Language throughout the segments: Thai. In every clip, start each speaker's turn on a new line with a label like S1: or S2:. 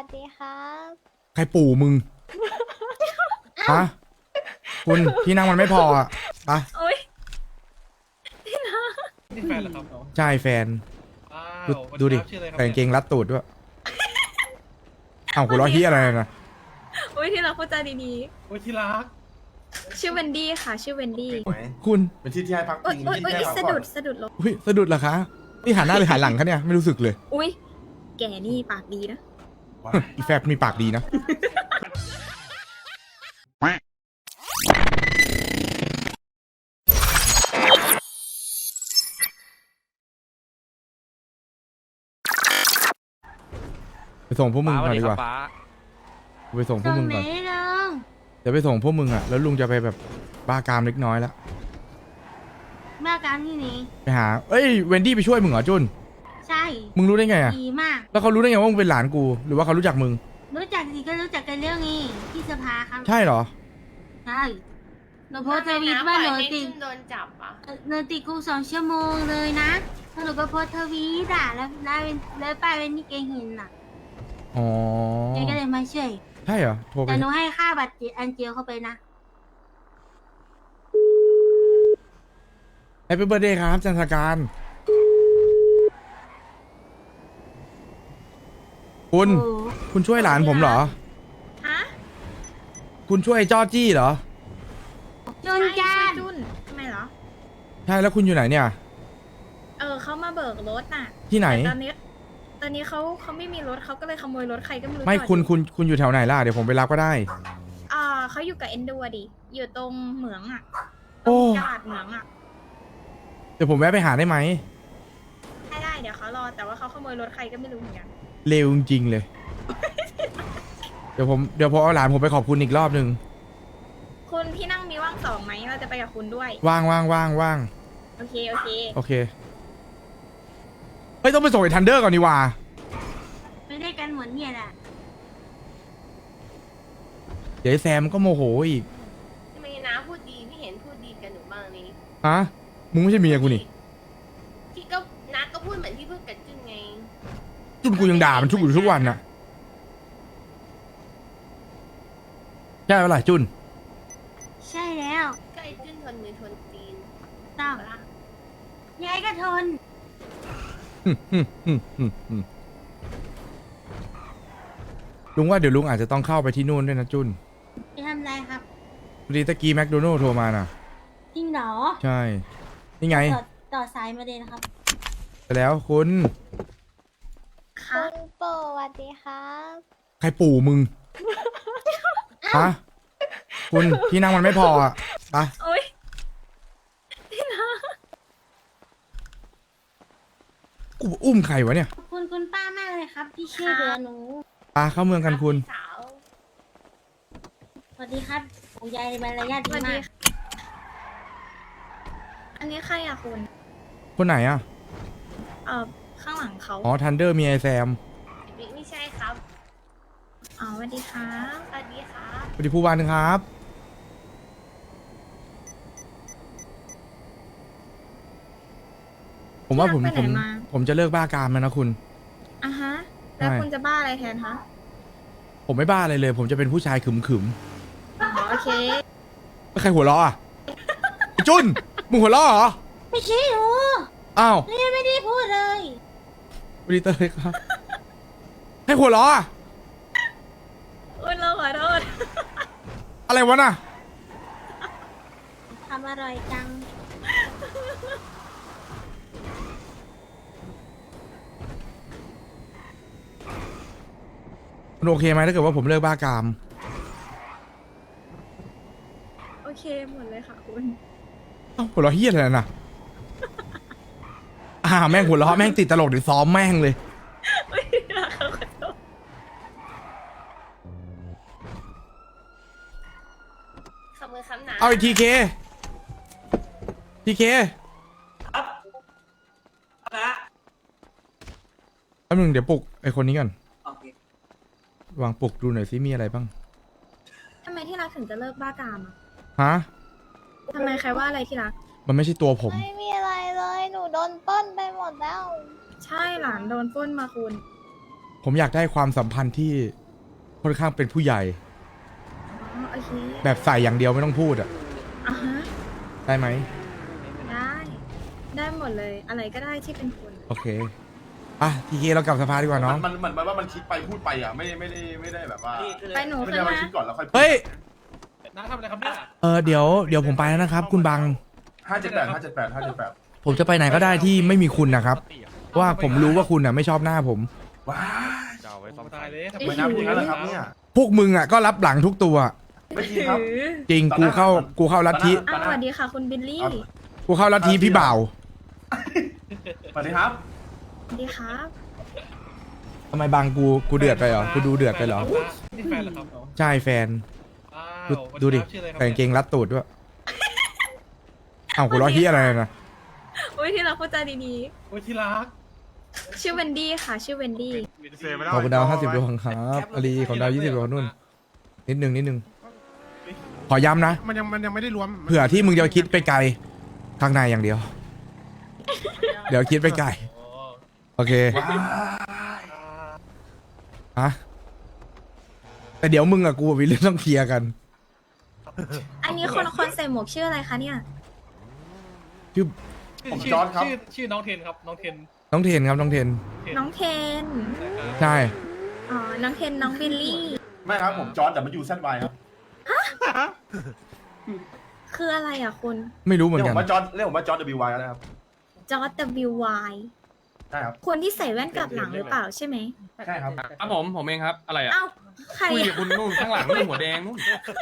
S1: ดีครับ
S2: ใครปู่มึง ฮะ คุณที่นั่งมันไม่พออ่ะไปะ
S3: โอ๊ย
S4: นี่แฟนเหรอครับน้อง
S2: ใช่แฟน
S4: อ้า
S2: ดู
S4: ววัน
S2: ดูดิ
S4: นี้ชื่ออะไรครับ
S2: แต่กางเกงรัดตูดด้วยอ้าวหัวเราะเฮียอะไรนะ
S3: โอ๊ยที่เราพูดจาดี
S4: โอ้ยที่รัก
S3: ๆ ชื่อเวนดี้ค่ะ ชื่อเวนดี้
S2: คุณ
S5: เป็นที่ที่ให้พัก
S3: โอ๊ย
S5: พิง
S3: โอ๊ย
S5: ที่
S3: โอ๊ย
S5: ให้พัก
S3: สะ
S5: ผ่อ
S3: ดุ
S5: น
S3: ดสะดุดลง
S2: อุ้ยสะดุดเหรอคะนี่หันหน้าเลยหันหลังคะเนี่ยไม่รู้สึกเลย
S3: อุ๊ย แกนี่ปากดีนะ
S2: อีแฟบมีปากดีนะไปส่งพวกมึงก่อนดีกว่าไปส่งพวกมึงก่อนเดี๋ยวไปส่งพวกมึงอ่ะแล้วลุงจะไปแบบบ้ากามเล็กน้อยแล้ว
S6: บ้าการที่นี้
S2: ไปหาเอ้ยเวนดี้ไปช่วยมึงเหรอจุน
S6: ใช่
S2: มึงรู้ได้ไงอ่ะ
S6: ดีมาก
S2: แล้วเขารู้ได้ไงว่ามึงเป็นหลานกู หรือว่าเขารู้จักมึง
S6: รู้จักสิก็รู้จักกันเรื่องนี้ที่สภาครับ
S2: ใช่เหรอ
S6: ใช่หนูโพสต์ทวิตว่าหนูติด
S1: โดนจับอ่ะ
S6: หนูติดคุก2 ชั่วโมงเลยนะแล้วหนูก็โพสต์ทวีตอ่ะแล้วป้าเป็นนี่แกเห็นอ่ะ
S2: อ๋อ
S6: แกก็เลยมาช่วย
S2: ใช่เหรอ โทรไป
S6: แต่หนูให้ค่าบัตรอันเจียวเข้าไปนะ
S2: แฮปปี้เบิร์ดเดย์ครับจันทการ คุณ
S6: โอ้
S2: คุณช่วยหลานผมเหรอ
S3: ฮะ
S2: คุณช่วยจอจี้เหรอ
S6: จนจาน
S3: จุนทำไมเหรอ
S2: ใช่แล้วคุณอยู่ไหนเนี่ย
S3: เขามาเบิกรถน่ะ
S2: ที่ไหน
S3: แต่ตอนนี้เขาไม่มีรถเขาก็เลยขโมยรถใครก็ไม่รู้
S2: ไม่
S3: จอด
S2: คุณอยู่แถวไหนล่ะ เดี๋ยวผมไปรับก็ได้
S3: เขาอยู่กับเอนดูอะดิ อยู่ตรงเหมืองอะต
S2: โอ้
S3: รงตลาดเหมืองอะ
S2: เดี๋ยวผมแวะไปหาได้ไหม
S3: ได้เดี๋ยวเขารอ แต่ว่าเขาขโมยรถใครก็ไม่รู้เหมือนกัน
S2: เร็วจริงๆเลย เดี๋ยวผมเอาหลานผมไปขอบคุณอีกรอบนึง
S3: คุณพี่นั่งมีว่างสองไหมเราจะไปกับคุณด้วย
S2: ว่างว่างว่างว่าง
S3: โอเค โอเค
S2: โอเค เฮ้ยต้องไปส่งไอ้ทันเดอร์ก่อนดีกว่า
S6: ไปได้กันหมดเนี่ยแหละ
S2: เดี๋ยวไอ้แซมก็โมโหอีก
S1: ทำไมน้าพูดดีไม่เห็นพูดดีกับหนูบ้างนี่
S2: ฮะ มึงไม่ใช่เมียกูนี่
S1: ที่ก็น้าก็พูดเหมือนที่พูดกับจุนไง
S2: จุนกูยังด่ามันทุกวันน่ะใช่เปะล่ะจุน
S6: ใช่แล้ว
S1: ก็ไอ้จุนทนมือทนตีน
S6: ต้อง
S1: ปะล่ะ
S6: ยายก็ทน
S2: ลุงว่าเดี๋ยวลุงอาจจะต้องเข้าไปที่นู่นด้วยนะจุน
S6: ไปทำอะไรครับ
S2: พอดีตะกี้แมคโดนัลด์โทรมาน่ะ
S6: จริงเหรอ
S2: ใช่ นี่ไง
S6: ต่อสายมาเลยนะครับ
S2: ไปแล้วคุณ
S3: ค่ะ
S1: คุณโปสวัสดีครับ
S2: ใครปู่มึง ฮะ คุณที่นั่งมันไม่พออ่ะไป
S3: โอ๊ย
S2: กูอุ้มใครวะเนี่ย
S6: ขอบคุณคุณป้ามากเลยครับ ที่ช่วยเหลือหนู
S2: ปาเข้าเมืองกันคุณ
S1: สาว
S6: สวัสดีครับผมยายในมารยาท
S3: ส
S6: ดี
S3: วัส
S6: มา
S3: ดี
S6: ก
S3: ค่ะอันนี้ใครอะคุณ
S2: คนไหนอ่ะ
S3: ข้างหลังเขา
S2: อ๋อทันเดอร์มีไอแซม
S1: ไม่ใช่ครับ
S3: อ๋อสวัสดีครับ
S1: สวัสดีครับ
S2: สวัสดีผู้วานครับ ผมว่าผมจะเลิกบ้ากามแล้วนะคุณ
S3: อ่ะฮะ แล้ว
S2: ใช่
S3: คุณจะบ้าอะไรแทนคะ
S2: ผมไม่บ้าอะไรเลย ผมจะเป็นผู้ชายขึม
S3: อ๋อโอเค
S2: ๆแล้วใครหัวเราะอ่ะไอ้จุนมึงหัวเราะเหรอ
S6: ไม่ใช่หนู
S2: อ้าว
S6: นี่ไม่ได้พูดเลย
S2: สวัสดีเตยครับ ให้หัวเราะอ่ะ
S3: คุณเราขอโทษ
S2: อะไรวะน่ะ
S6: ทำอร่อยจัง
S2: มันโอเคไหมถ้าเกิดว่าผมเลิกบ้ากาม
S3: โอเคหมดเลยค่ะคุณ
S2: เอ้าหัวเราะเฮี้ยอะไรน่ะ แม่งหัวเราะแม่งติดตลกเดี๋ยวซ้อมแม่งเลย
S3: ไม่ได้ค่ะขอโทษ
S1: ขอบคุณคำหนา
S2: เอาอีกทีเคแป๊บนึงเดี๋ยวปลุกไอคนนี้ก่อนวางปลุกดูหน่อยซิมีอะไรบ้าง
S3: ทำไมที่รักถึงจะเลิกบ้ากามอะ
S2: ฮะ
S3: ทำไมใครว่าอะไรที่รัก
S2: มันไม่ใช่ตัวผม
S1: ไม่มีอะไรเลย หนูโดนปล้นไปหมดแล้ว
S3: ใช่หลานโดนปล้นมาคุณ
S2: ผมอยากได้ความสัมพันธ์ที่ค่อนข้างเป็นผู้ใหญ่
S3: อ๋อโอเค
S2: แบบใส่อย่างเดียวไม่ต้องพูดอะ
S3: อ่ะฮะ
S2: ได้ไหม
S3: ได้หมดเลยอะไรก็ได้ที่เป็นคุณ
S2: โอเคอ่ะทีเคเรากลับสภาดีกว่าน้อง
S4: มันเหมือนว่ามันคิดไปพูดไปอ่ะไม่ได้แบบว่า
S3: ไปหนู
S4: ไม่
S3: ขึ้
S4: ได้
S3: น
S4: มา
S3: มา
S4: คิดก่อนแล้วค่อยพูด
S2: เฮ้ย
S5: น้าทำอะไรครับเนี่ย
S2: เดี๋ยวผมไปแล้วนะครับ คุณบัง
S4: 578
S2: ผมจะไปไหนก็ได้ที่ไม่มีคุณนะครับเพราะว่าผมรู้ว่าคุณอ่ะไม่ชอบหน้าผม
S4: ว้า
S5: จะเอาไว้ซ่อมตายเลย
S4: ทำไมน้ำเป็นอย่างนั้นล่ะครับเนี่ย
S2: พวกมึงอ่ะก็รับหลังทุกตัว
S4: ไม่จริงครับ
S2: จริงกูเข้าลัทธิ
S3: อ้าวสวัสดีค่ะคุณบิลลี่
S2: กูเข้าลัทธิพี่บ่าว
S4: สวัสดีครับ
S3: สวัสดีครับ
S2: ทำไมบังกูเดือดไปเหรอกูดูเดือดไปเหรอ
S5: นี่แฟนเหรอครับ
S2: ใช่แฟน
S5: อ้า
S2: ดู
S5: ว
S2: ดูดิ
S5: ชื่ออะไรครับ
S2: แต่งเกงรัดตูดด้วยอ้าวกูล้อเฮียอะไรนะ
S3: อุ้ยที่เราพูดจาดี
S5: โอ้ยที่รัก
S3: ๆชื่อเวนดี้ค่ะ ชื่อเวนดี้
S2: ขอบคุณดาว50ดวงครับอลีของดาว20ดวงนู่นนิดนึงขอย้ำนะ
S7: มันยังไม่ได้รวม
S2: เผื่อที่มึงจะคิดไปไกลข้างในอย่างเดียว เดี๋ยวคิดไปไกล
S5: อ๋อ
S2: โอเค
S4: ว้า
S2: ฮะแต่เดี๋ยวมึงกับกูมีเรื่องต้องเคลียร์กัน
S3: อันนี้คนใส่หมวกชื่ออะไรคะเนี่ย
S2: ชื่อ
S4: ผมจอร์ดครับ
S5: ชื่อน้องเทนครับน้องเทน
S2: น้องเทนครับน้องเทน
S3: น้องเทน
S2: ใช่
S3: อ๋อ น้องเทน น้องบิลลี่
S4: ไม่ครับผมจอร์ดแต่มันอยู่ ZY ครับ
S3: คืออะไรอ่ะคุณ
S2: ไม่รู้เหมือ
S4: เรีย
S2: น
S4: ก
S2: กั
S4: ผ
S2: น
S4: มว่าจอร์ดWY ก็ได้ครับ
S3: จอร์ด WY
S4: ใช่ครับ
S3: คนที่ใส่แว่นกลับหลังหรือเปล่าใช่ไหม
S4: ใช่ครับ
S8: ครับผมเองครับ อะไรอ่ะ
S3: เอ้า ใคร
S8: คุย
S3: อะ
S8: กับคุณนู่นข้างหลังนู่นหัวแดงนู่น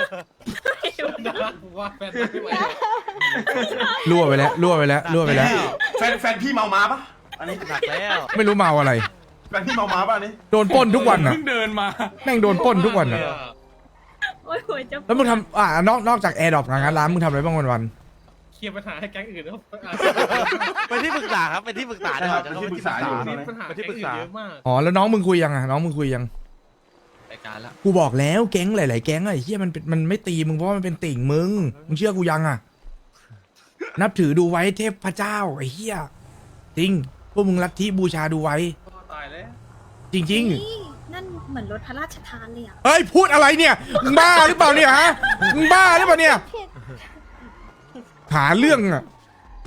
S5: ว่าแฟนไม่ไหว
S2: รั่วไปแล้ว
S4: แฟนพี่เมามาปะอันนี้
S9: หนักแล้ว
S2: ไม่รู้เมาอะไร
S4: แฟนพี่เมามาปะอันนี้
S2: โดนปล้นทุกวันอ่ะ
S8: เพิ่งเดินมา
S2: แม่งโดนปล้นทุกวันอ่ะ
S3: โอ้ยหัวจะ
S2: แล้วมึงทำนอกจากแอร์ดรอปงานร้านมึงทำอะไรบ้างวัน
S5: เคลียร์ปัญหาให้แก๊งอื่นแล้ว
S9: เป็นที่ปรึกษาครับ เป็นที่ปรึกษา
S4: ใช่ครับ
S9: จะ
S4: เป็น
S9: เข้า
S4: ที่ปรึกษาอยู่
S5: มีปัญหาแก๊งอื่นเยอะมาก
S2: อ๋อแล้วน้องมึงคุยยังอ่ะน้องมึงคุยยัง
S8: รายการละ
S2: กูบอกแล้วแก๊งหลายๆแก๊งอะไอ้เหี้ยมันไม่ตีมึงเพราะว่ามันเป็นติ่งมึงเชื่อกูยังอ่ะ นับถือดูไว้เทพเจ้าไอ้เหี้ยจริงพวกมึงลัทธิบูชาดูไว้
S5: ตายแล้ว
S2: จริง
S3: นี่นั่นเหมือนรถพระราชทานเลยอ่ะ
S2: ๆเฮ้ยพูดอะไรเนี่ยมึงบ้าหรือเปล่าเนี่ยฮะมึงบ้าหรือเปล่าเนี่ยหาเรื่องอ่ะ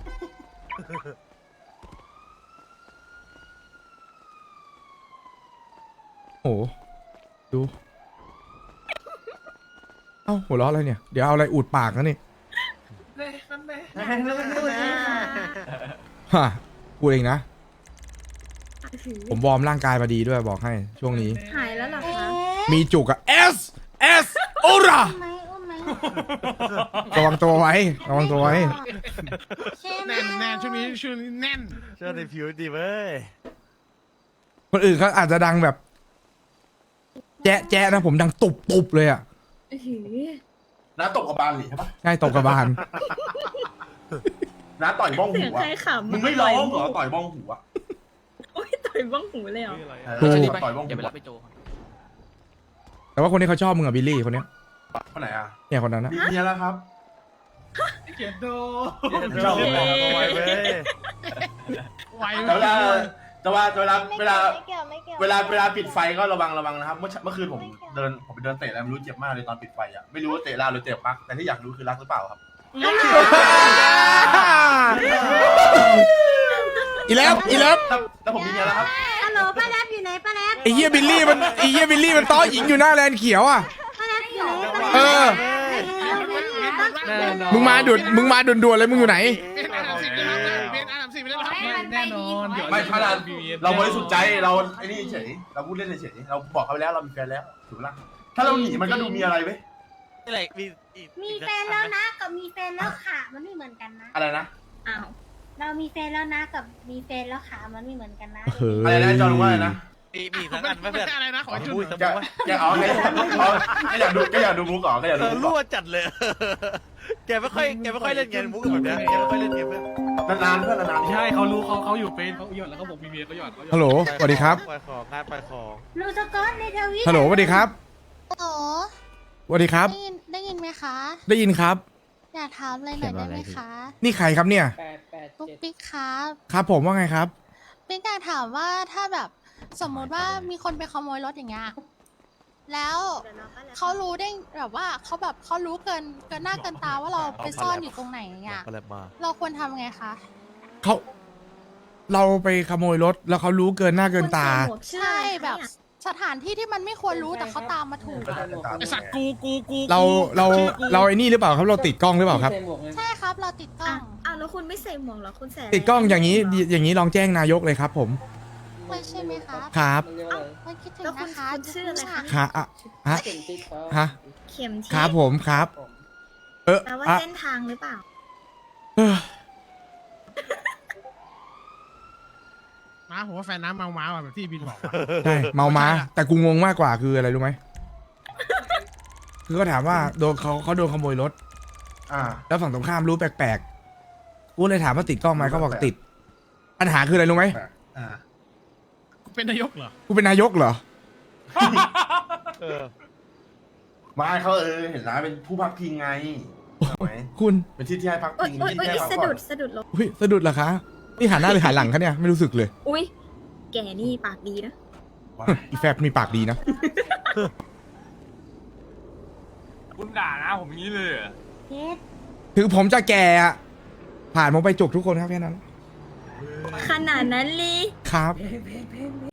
S2: โอ้โหดูเอ้าหัวเราะอะไรเนี่ยเดี๋ยวเอาอะไรอุดปากนะนี่ ฮะกูเองนะ ผมวอร์มร่างกายมาดีด้วยบอกให้ช่วงนี้
S3: หายแล้วเหรอคะ
S2: มีจุกอะ S โอรา
S6: ไหมอุ้มไหม
S2: ระวังตัวไว้ระวังตัวไว้
S6: ใช่ไหม
S7: แน่นช่วงนี้แน่น
S9: เชื่อในผิวดีเว้ย
S2: คนอื่นเขาอาจจะดังแบบ แจ๊ะแจ๊ะนะผมดังตุบตุบเลยอะ
S3: อื้อหือ
S4: น้าตบกับบานหรือใช่ปะ
S2: ใช่ตบกระบาล
S4: น้าต่อยบ้อง
S3: เสี
S4: หู
S3: ยง
S4: อ่ะ
S3: ใครขำ
S4: มึงไม่ร้องเหรอต่อยบ้องหูอ่ะ
S3: โอ้ยต่อยบ้องหูเลยเหรอ
S4: ต่อยบ้อง
S8: อย่า
S4: หู
S8: ไปรับไปโจ
S2: แต่ว่าคนนี้เขาชอบมึงอะบิลลี่คนเนี้ย
S4: คนไหนอ่ะ
S2: เนี่ยคนนั้นนะ
S4: มีเมียแล้วครับ
S5: เขียนโด
S4: ชอบ
S9: เว้ย
S7: ไว
S4: แต่เวลาปิดไฟก็ระวังนะครับ เมื่อคืนผมไปเดินเตะแล้วไม่รู้เจ็บมากเลยตอนปิดไฟอ่ะไม่รู้ว่าเตะลาวหรือเตะปักแต่ที่อยากรู้คือรักหรือเปล่าครับ
S2: อีแล้ว
S4: แล้วผมมีเมียแล้วครับ
S6: ฮัลโหลป้าแรปอยู่ไหนป้าแรป
S2: ไอ้เหี้ยบิลลี่มันต้อหญิงอยู่หน้าแลนด์เขียวอะ
S6: ป้าแรปอยู่ไหนป้าแรป
S2: เออ
S5: แน่นอน
S2: มึงมาด่วนๆเลยมึงอยู่ไหน
S7: เป็นอันดับ 10นะครับเป็นอันดับ 10ไปแล้วครับ
S5: แน่นอนเดี๋ยว
S4: ไม่ถ้าเราบริสุทธิ์ใจเราไอ้นี่เฉยเราพูดเล่นเฉยเราบอกเขาไปแล้วเรามีแฟนแล้วถูกปะถ้าเราหนีมันก็ดูมีอะไรเว้ย
S9: นี่แหละมีอีก
S6: มีแฟนแล้วนะกับมีแฟนแล้วขามันไม่เหมือนกันนะ
S4: อะไรนะ
S3: อ้าว
S6: เรามีแฟนแล้วนะกับมีแฟนแล้วขามันไม่เหมือนกันนะ
S4: อะไรนะจอห์นว่าอะไรนะ
S9: มีทั้งอันไม่เพื่อน
S7: อะไรนะขอจุด
S9: พูดสม
S4: แก
S9: มติว่า
S4: แกอ๋อแกอยากดูมุกเหรอแกอยากดูมุกเหร
S9: รั่
S4: อ
S9: วจัดเลย แกไม่ค่อยเล่นเกมมุกแบบนี้แกไม่ค่อยเล่นเกมเพื่อน
S4: นานๆเพื่อนนานๆ
S5: ใช่เขารู้เขาอยู่เป็นเขาหยอดแล้วเขาบอกมีเมียเขาหยอด
S2: ฮัลโหลสวัสดีครับ
S9: ปล่อยของงานปล่อยของ
S6: ลูสกอตในทวิต
S2: ฮัลโหลสวัสดีครับ
S10: โอ้
S2: สวัสดีครับ
S10: ได้ยินไหมคะ
S2: ได้ยินครับ
S10: อยากถามอะไรหน่อยได้ไหมคะ
S2: นี่ใครครับเนี่ย
S10: ปุ๊กปิ๊กครับ
S2: ครับผมว่าไงครับ
S10: ปิ๊กอยากถามว่าถ้าแบบสมมติว่ามีคนไปขโมยรถอย่างเงี้ย แล้ว
S3: เดี๋ยวเราก็แล้ว
S10: เขารู้ได้แบบว่าเขารู้เกินหน้าเกินตาว่าเราไปซ่อนอยู่ตรงไหนอย่างเงี้ย
S9: ก็เลยมา
S10: เราควรทำไงคะ
S2: เราไปขโมยรถแล้วเขารู้เกินหน้าเกินตา
S3: คุณใส่หมวกชื่อ
S10: ใช่
S3: อะไรคะ
S10: แบบ
S3: เนี่ย
S10: สถานที่ที่มันไม่ควรรู้แต่เขาตามมาถูกอะ
S7: ไอสัตว์กู
S2: เราไอ้นี่หรือเปล่าครับเราติดกล้องหรือเปล่าครับ
S10: ใช่ครับเราติดกล้อง
S3: อ้าวแล้วคุณไม่ใส่หมวกเหรอคุณใส่ะไร
S2: ติดกล้องอย่างนี้ลองแจ้งนายกเลยครับ ผม
S10: ไม่ใช่ไหมครับ
S2: ครับ
S10: ไม่คิดถึง
S3: แล้วคุณ
S10: นะคะ
S3: คุณชื่ออะไรคะ
S2: ค่ะฮะฮะ
S3: เข็มทิศ
S2: ครับผมครับ
S3: แปลว่าเส้นทางหรือเปล่า
S2: เออ
S7: ม้าผมว่าแฟนน้ำเมาม้าว่ะแบบที่บินบอกว่ะ
S2: ใช่เมาม้าแต่กูงงมากกว่าคืออะไรรู้ไหมคือเขาถามว่าโดนเขาโดนขโมยรถ
S4: อ่า
S2: แล้วฝั่งตรงข้ามรู้แปลกๆกูเลยถามว่าติดกล้องไหมเขาบอกติดปัญหาคืออะไรรู้ไหม
S4: อ่า
S7: เป็นนายกเหรอ
S2: กูเป็นนายกเหรอ
S9: เออ
S4: ไม่เขาเห็นนะเป็นผู้พักพิงไงถูกไหม
S2: คุณ
S4: เป็นที่ที่ให้พัก
S3: โอ๊ย
S4: พิง
S3: โอ๊ย
S4: ที่
S3: โอ๊ย
S4: ที่ให้พัก
S3: สะ
S4: ผ่อ
S3: ดุ
S4: น
S3: ดสะดุดลง
S2: อุ้ยสะดุดเหรอคะนี่หันหน้าหรือหันหลังคะเนี่ยไม่รู้สึกเลย
S3: อุ้ยแกนี่ปากดีนะ
S2: อีแฟบมีปากดีนะ
S8: คุณด่านะผมอย่างนี้เลยเหรอ
S6: เพชร
S2: ถึงผมจะแก่อะผ่านผมไปจุกทุกคนครับแค่นั้น
S3: ขนาดนั้นลี
S2: ครับ
S6: เ